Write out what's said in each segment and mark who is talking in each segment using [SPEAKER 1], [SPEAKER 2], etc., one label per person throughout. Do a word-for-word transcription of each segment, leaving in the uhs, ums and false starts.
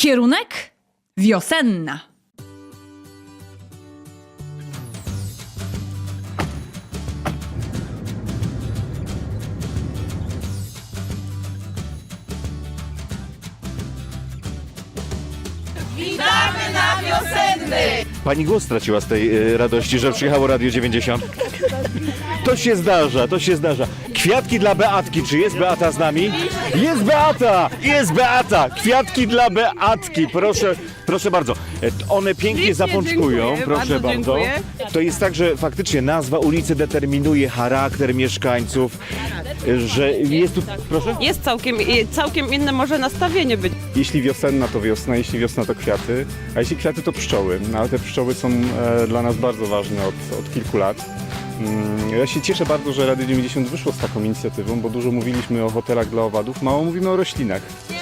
[SPEAKER 1] Kierunek wiosenna.
[SPEAKER 2] Witamy na wiosenny!
[SPEAKER 3] Pani głos straciła z tej y, radości, że przyjechało Radio dziewięćdziesiąt. To się zdarza, to się zdarza. Kwiatki dla Beatki. Czy jest Beata z nami? Jest Beata! Jest Beata! Kwiatki dla Beatki. Proszę, proszę bardzo. E, One pięknie
[SPEAKER 2] Pięknie,
[SPEAKER 3] zapączkują.
[SPEAKER 2] dziękuję,
[SPEAKER 3] Proszę
[SPEAKER 2] bardzo
[SPEAKER 3] bardzo.
[SPEAKER 2] dziękuję.
[SPEAKER 3] To jest tak, że faktycznie nazwa ulicy determinuje charakter mieszkańców, e, że jest tu... Proszę?
[SPEAKER 2] Jest całkiem, całkiem inne może nastawienie być.
[SPEAKER 4] Jeśli wiosenna, to wiosna, jeśli wiosna, to kwiaty, a jeśli kwiaty, to pszczoły. No, ale te pszczoły są e, dla nas bardzo ważne od, od kilku lat. Mm, ja się cieszę bardzo, że Radio dziewięćdziesiąt wyszło z taką inicjatywą, bo dużo mówiliśmy o hotelach dla owadów, mało mówimy o roślinach.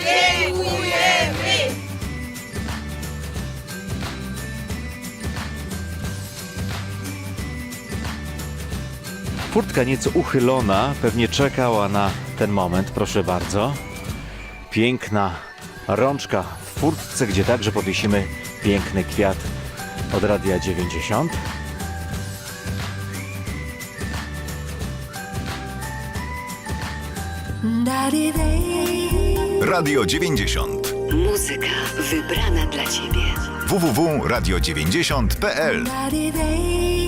[SPEAKER 3] Furtka nieco uchylona, pewnie czekała na ten moment, proszę bardzo. Piękna rączka w furtce, gdzie także powiesimy piękny kwiat od Radia dziewięćdziesiąt.
[SPEAKER 5] Radio dziewięćdziesiąt.
[SPEAKER 6] Muzyka wybrana dla Ciebie.
[SPEAKER 5] w w w kropka radio dziewięćdziesiąt kropka p l